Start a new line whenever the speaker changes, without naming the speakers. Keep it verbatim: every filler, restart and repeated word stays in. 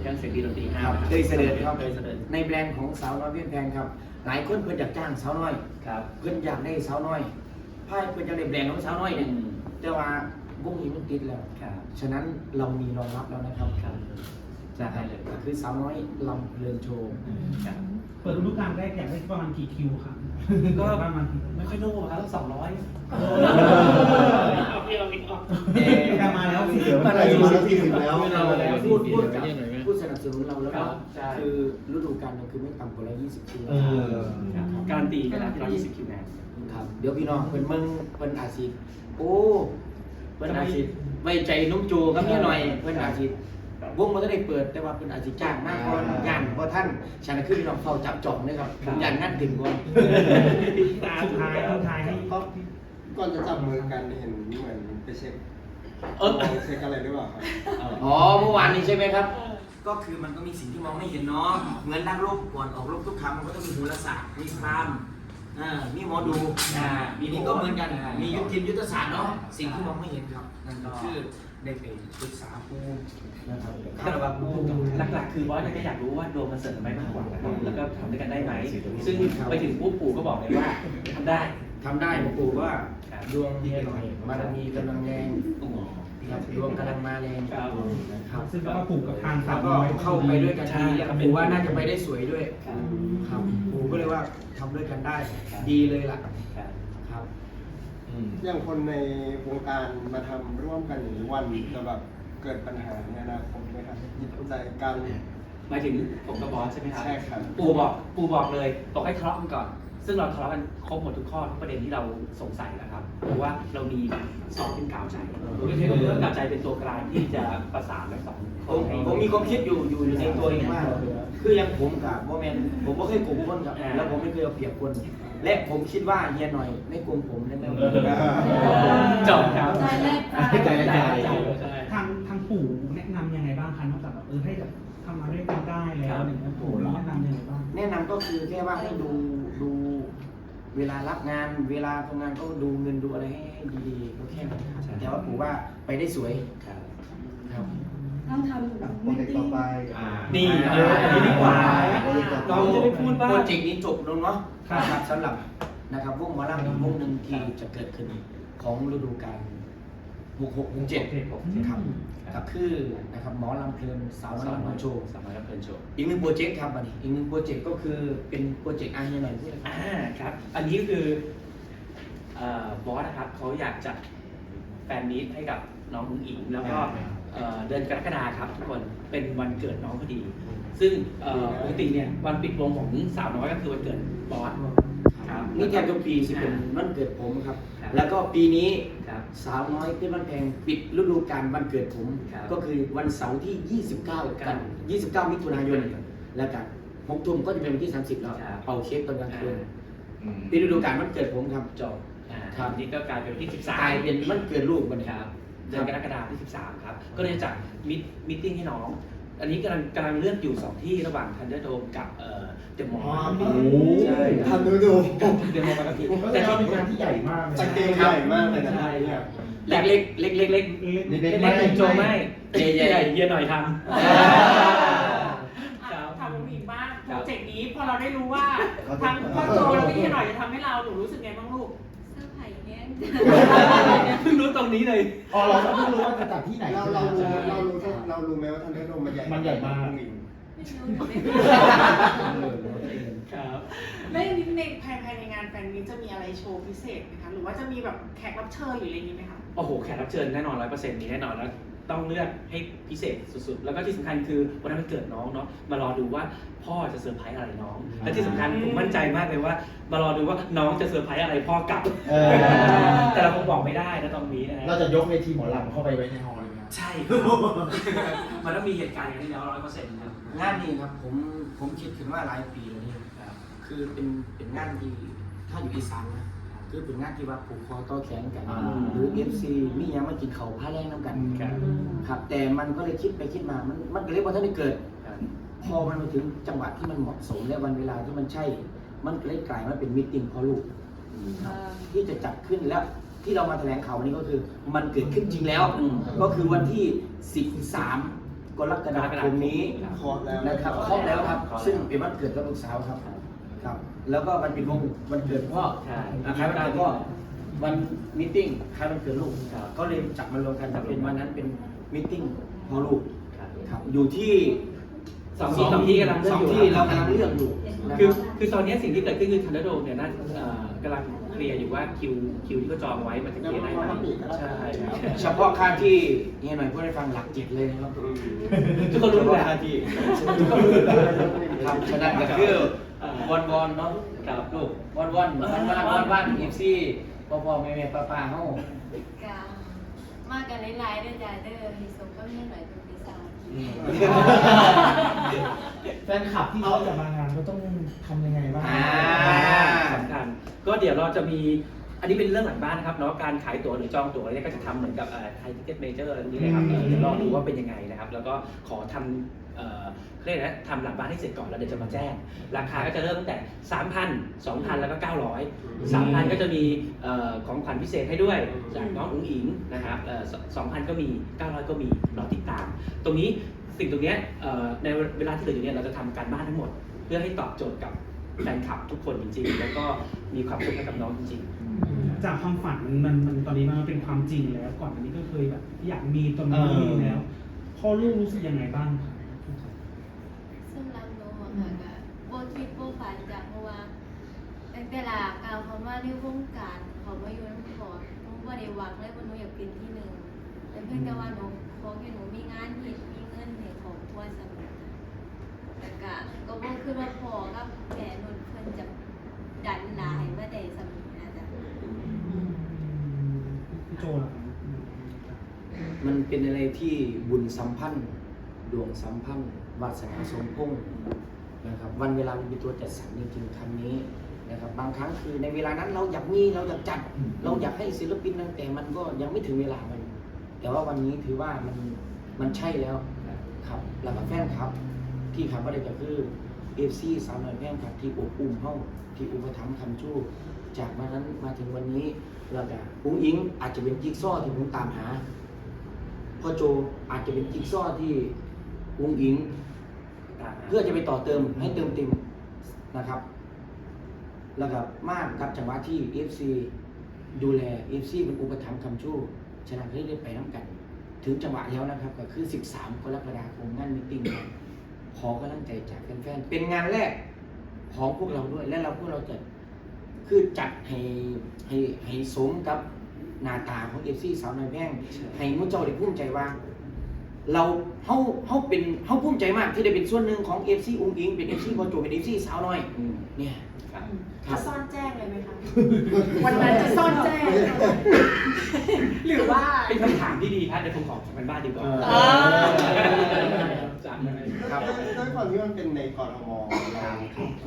เครื่องเสียงดีดนตรีห้า
ครับเคยเสด็จครับ
เคยเสด็จ
ในแบรนด์ของสาวน้อยเพี้ยนแพงครับหลายคนเพิ่นอยากจ้างสาวน้อย
ครับ
เพิ่นอยากได้สาวน้อยไพ่เพิ่นจะได้แบรนด์ของสาวน้อยเนี่ย
อืม
แต่ว่าวงนี้มันติดแล้ว
ครับ
ฉะนั้นเรามีรองรับแล้วนะครับ
ครับจะให้เลย
ก็คือสาวน้อยลำเพลินโชว์
ครับ
เปิดฤดูกาลแรกอยากได้ประมาณกี่คิวครับ
ก็
ประมาณ
ไม่ค่อยโน้ครับสองร้อย
กลับมาแล้วสิ
มาแล้วมาแล้วสี่สิบแล้ว
เราพูดพูดกับผู้สนับสนุนเราแล้ว
ครั
ก็
บใช่
คือฤดูกาลนึงคือไม่ต่ำกว่าร้อยยี่สิบคิว
เออ
ครับการันตีกันแล้วที่ร้อยยี่สิบคิวแมน
ครับเดี๋ยวพี่น้องเพิ่นเมืองเพิ่นอาชีพโอ้เพิ่นอาชีพไว้ใจนุ่มโจกับเมียหน่อยเพิ่นอาชีพวงมันก็ได้เปิดแต่ว่าเพิ่นอาชีพจ้างมากกว่าย่านเพราะท่านฉันคือพี่น้องเข้าจับจองเลยครับย่านงานถึงก่อน
สุดท้ายสุดท้ายให้
ก็ก่อนจะจับมือกันเห็นเหมือนไปเช็ค
เออ
เช็คอะไรหรือเปล่าครับ
อ๋อเมื่อวานนี้ใช่ไหมครับ ก็คือมันก็มีสิ่งที่มองไม่เห็นเนาะเหมือนนักรบก่อนออกรบทุกครั้งมันก็ต้องมีโหราศาสตร์มีพราหมณ์อ่ามีหมอดูอ่ามีนี่ก็เหมือนกันมียุทธทีมยุทธศาสตร์เนาะสิ่งที่มองไม่เห็นครับนั่นก็คือได้ไปปรึกษาครูนะครับคาราบาครู
หลักๆคือบอสเนี่ยก็อยากรู้ว่าดวงมันเสริมไหมมากกว่านะครับแล้วก็ทำด้วยกันได้ไหมซึ่งไปถึงปุ๊บปู่ก็บอกเลยว่าทำได้
ทำได้หลวงปู่ว่า
ครับ
ดวงเฮียหน่อยบารมีกำลังแรงครับดวงกำลังมาแรง
ครับ
นะครับ
ซึ่งก็ผูกกับทาง
แล้
สาว ว
ก็
น้อย
เข้าไปด้วยกันดีแล้วปู่ว่าน่าจะไปได้สวยด้วย
ครับ
ครับปู่ก็เลยว่าทำด้วยกันได้ดีเลยล่ะ
ครับ
ครับ
อย่างคนในวงการมาทำร่วมกันอย่างนี้วันจะแบบเกิดปัญหาในอนาคตไหมครับจิตใจกัน
หมายถึงผมกับบอสใช่ไหมครับ
ใช่ครับ
ปู่บอกปู่บอกเลยบอกให้ทะเลาะกันก่อน ซึ่งเราทะเลาะกันครบหมดทุกข้อทุกประเด็นที่เราสงสัยนะครับเพราะว่าเรามีสอบเป็นกาวใจก็คือเรื่องกาวใจเป็นตัวกลางที่จะประสานทั้งสองค
ผ
น
ม
ให้
ผมมีความคิดอยู่อยู่อยู่ในตัวเองมาก คืออย่างผมกับโมเมนผมก็เคยโกงคนครับแล้วผมไม่เคยเอาเปรียบคน และผมคิดว่าเฮียหน่อยไม่โกงผมแน่ๆ
จบครับ
ใจแรก
ใจแรก
ทางทางปู่แนะนำยังไงบ้างคะนอกจากแบบเออให้แบบทำมาด้วยกันได้แล้วอย่างเงี้ยปู่แนะนำยังไงบ้าง
แนะนำก็คือแค่ว่าให้ดูดูเวลารับงานเวลาทำงานก็ดูเงินดูอะไรให้ให้ดีๆก็แค่นั้นครับแต่ว่าผมว่าไปได้สวยครับ
ต้องทำ
โปรเจกต์ต่อไป
นี่เอออันนี้ดีกว่าเราจะได้พูดว่า
โปรเจกต์นี้จบลงเนาะ
ครับ
นะครับสำหรับนะครับวงหมอลำอีกวงหนึ่งที่จะเกิดขึ้นของฤดูกาลหกหกหกเจ็ดครับก็คือนะครับหมอลำเพลินสาวน้อยลำเพลินโชว์
สามารถรับเพลินโชว์
อีกหนึ่งโปรเจกต์ครับอันนี้อีกหนึ่งโปรเจกต์ก็คือเป็นโปรเจกต์อาร์เฮียหน่อยพูดเลยครับ
อ่าครับ อันนี้ก็คือเอ่อบอสนะครับเขาอยากจัดแฟนมีตให้กับน้องอุ๋งอิงแล้วก็เอ่อเดือนกรกฎาคมครับทุกคนเป็นวันเกิดน้องพอดี ซึ่งเอ่อปกติเนี่ยวันปิดวงของสาวน้อยก็คือวันเกิดบอสครับ
นี่แทบทุกปีสิเป็นวันเกิดผมครับ
ครับ
แล้วก็ปีนี้
ครับ
สาวน้อยเป็นวันแพงปิดฤดูกาลวันเกิดผม
ครับ
ก็คือวันเสาร์ที่ ยี่สิบเก้า กัน ยี่สิบเก้า มิถุนายน แล้วกันหกทุ่มก็จะเป็นวันที่ สามสิบ แล้ว
ครับ
เป่าเค้กตอนกลางคืน
อ่า
ปีฤดูกาลวันเกิดผมครับ
จบอ่า
ครับ
นี่ก็กลายเป็นวันที่สิบสาม
กลายเป็นวันเกิดลูกมัน
ครับเดือนกรกฎาคมที่สิบสามครับ ก็เลยจัดมิทมิทติ้งให้น้อง อันนี้กำลังกำลังเลือกอยู่สองที่ระหว่างทันเดอร์โดมกับเอ่อเดอะมอลล์
โอ้
ใช่
ทำดูดู
เดอะมอลล์บางกะปิ
แต่ที่เป็นงานที่ใหญ่มากเลย
ส
นะ
เกลใหญ่มากเลยนะ
ใช่
เนี่ย
เล็กเล็กเล็กเล็กเล็ก
เล็กเล็กๆโจไม่ใหญ่ใหญ่เยอะหน่อยทำ
อ่ะถามลุงอิงบ้าง
ค
โป
รับ
รเจกต์นี้พอเราได้รู้ว่าทั้งพ่อโจแล้วก็พี่หน่อยจะทำให้เราหนูรู้สึกไงบ้างลูก
เสื้อไผ่แห้ง
เพิ่งรู้ตรงนี้เลย
อ๋อเราก็เพิ่งรู้ว่าจะจัดที่ไหน
เราเรารู้เรารู้เรารู้ไหมว่าทันเดอร์โดมมันใหญ่
มันใหญ่มาก
ไม่รู้หนูไม่รู้
ครับ
แล้วอย่างนี้ในภายภายในงานแฟนมีตจะมีอะไรโชว์พิเศษไหมคะ หรือว่าจะมีแบบแขกรับเชิญหรืออะไรอย่างนี้ไหมคะ
โอ้โห แขกรับเชิญแน่นอนร้อยเปอร์เซ็นต์มีแน่นอนแล้วต้องเลือกให้พิเศษสุดๆ แล้วก็ที่สำคัญคือวันนั้นมันเกิดน้องเนาะ มารอดูว่าพ่อจะเซอร์ไพรส์อะไรน้อง และที่สำคัญผมมั่นใจมากเลยว่า มารอดูว่าน้องจะเซอร์ไพรส์อะไรพ่อกลับ
เออ
แต่เราคงบอกไม่ได้นะตรงนี้นะฮะ
เราจะยกเวทีหมอลำเข้าไปไว้ในฮอลล์เลยนะ
ใช่ครับ มันต้องมีเหตุการณ์อย่างนี้แล้วร้อยเปอร์เซ็นต์ครับ
งานนี้ครับผมผมคิดถึงว่าหลายปีแล้วนี่
ครับ
คือเป็นเป็นงานที่ถ้าอยู่อีสานนะคือเป็นงานที่ว่าผูกคอต่อแขนกัน
อ่า
หรือ เอฟ ซี มีหยังมากินเขาวผ้าแรงน้ำกัน
ครับ
ครับแต่มันก็เลยคิดไปคิดมา มันมันก็เลยว่าถ้าได้เกิด
ครับ
พอมันมาถึงจังหวะที่มันเหมาะสมและวันเวลาที่มันใช่ มันก็เลยกลายมาเป็นมิตติ้งพ่อลูกที่จะจัดขึ้นแล้วที่เรามาแถลงข่าววันนี้ก็คือ มันเกิดขึ้นจริงแล้ว
อืม
ก็คือวันที่สิบสามกรกฎาคมนี้
เคาะแล้ว
นะครับครบแล้วครับ ซึ่งเป็นวันเกิดกับลูกสาวครับครับ แล้วก็วันปิดวงวันเกิดพ่อ
ใช่
คล้ายวันเกิดพ่อวันมิทติ้งคล้ายวันเกิดลูกก็เลยจับมารวมกันแต่เป็นวันนั้นเป็นมิทติ้งพ่อลูก
ครับ
ครับอยู่ที่
สองที่สองที่กำลังเลื
ส
อ
อก ง
อยู่
ที่เรากำลังเลือกอยู่นะ
คือ
รับ
คือตอนนี้สิ่งที่เกิดขึ้นคือทันเดอร์โดเนี่ยน่าเอ่อกำลังเคลียร์อยู่ว่าคิวคิวที่เขาจองไว้มันจะเคลียร์ได้ไหมใช่
เฉพาะค่าที่เฮียหน่อยพูดให้ฟังหลักเจ็ดเลยนะครับ
ทุกคนรู้
เฉ
แห
พาะ
ละ
ค่าที่ทุกคนรู้ครับฉะนั้นก็คือวันวอนเนาะ
ครับ
ลูกวันวันวันวันวันวันเอฟซีพ่อพ่อแม่แม่ป้าป้าเฮา
กามากันหลายๆเด้อจ้าเด้อให้สมก็ให้หน่อยเป็นปีศาจ
แฟนคลับที่เขาจะมางานก็ต้องทำยังไงบ้าง
อ่า
สำคัญก็เดี๋ยวเราจะมีอันนี้เป็นเรื่องหลังบ้านนะครับเนาะการขายตั๋วหรือจองตั๋วเนี่ยก็จะทำเหมือนกับไทยทิเก็ตเมเจอร์อะไรนี้เลยครับเออเดี๋ยวรอดูว่าเป็นยังไงนะครับ แล้วก็ขอทำเอ่อเรียกนะทำหลังบ้านให้เสร็จก่อนแล้วเดี๋ยวจะมาแจ้ง ราคาก็จะเริ่มตั้งแต่ สามพัน สองพัน แล้วก็ เก้าร้อย สามพัน ก็จะมีเอ่อของขวัญพิเศษให้ด้วยจากน้องอุ๋งอิงนะครับเอ่อสองพัน ก็มี เก้าร้อย ก็มีรอติดตาม ตรงนี้สิ่งตรงเนี้ยเอ่อในเวลาที่เหลืออยู่เนี่ยเราจะทำการบ้านทั้งหมด เพื่อให้ตอบโจทย์กับแฟนคลับทุกคนจริงๆ แล้วก็มีความสุขให้กับน้องจริงๆ
จากความฝันมันมันมันตอนนี้มันเป็นความจริงแล้ว ก่อนอันนี้ก็เคยแบบอยากมีตอนนี้ไม่มีแล้วพ่อลูกรู้สึกยังไงบ้างครับ
ซึ่งรับรู้อะค่ะก็บ่คิดบ่ฝันจ้ะเพราะว่าตั้งแต่ลากาวเขามาในวงการเขามาอยู่น้ำพอหนูบ่ได้หวังเลยว่าหนูอยากเป็นที่หนึ่งแต่เพียงแต่ว่าหนูขอแค่หนูมีงานเฮ็ดมีเงินให้ครอบครัวสำเร็จแต่ก็ก็บ่คือว่าพ่อกับแม่นุ่นเพิ่นจะดันหลายมาได้สำเร็จนะจ๊ะ
พี่โจล่ะครับ
มันเป็นอะไรที่บุญสัมพันธ์ดวงสัมพันธ์วาสนาสมพงษ์นะครับวันเวลามันเป็นตัวจัดสรรจริงๆคำนี้นะครับบางครั้งคือในเวลานั้นเราอยากมีเราอยากจัด เราอยากให้ศิลปินนั่นแต่มันก็ยังไม่ถึงเวลามัน แต่ว่าวันนี้ถือว่ามันมันใช่แล้วครับแล้วก็แฟนครับ ที่คำว่าได้ก็คือเอฟซีสาวน้อยแพงครับที่อบอุ่มเฮาที่อุปถัมภ์คำชู้จากวันนั้นมาถึงวันนี้เราจะอุ้งอิงอาจจะเป็นจิ๊กซอว์ที่ผมตามหาพ่อโจอาจจะเป็นจิ๊กซอว์ที่อุ้งอิงเพื่อจะไปต่อเติมให้เติมเต็มนะครับ แล้วก็มากกับจังหวะที่ เอฟ ซี ดูแล เอฟ ซี เป็นอุปถัมภ์คำชู้ฉะนั้นเรื่อยๆไปน้ำกัน ถึงจังหวะแล้วนะครับก็คือสิบสามกรกฎาคมงานมีตติ้งขอกำลังใจจากแฟนๆเป็นงานแรกของพวกเราด้วยและเราพวกเราจะคือจัดให้ให้ให้สมกับหน้าตาของ เอฟ ซี สาวน้อยแพงให้มุ้งเจ้าได้ภูมิใจว่า เราเฮาเฮาเป็นเฮาภูมิใจมากที่ได้เป็นส่วนหนึ่งของ เอฟ ซี อุ้งอิงเป็น เอฟ ซี บอโจเป็น เอฟ ซี สาวน้อยเนี่ยครับ
จะซ่อนแจ้งเลยไหมคะ วันนั้นจะซ่อนแจ้ง หรือว่า
เป็นคำถามที่ดีครับเดี๋ยวผมขอทำกันบ้านดีกว่า
อ่า
จาก
ด้วยความที่มันเป็นในกรทมเรา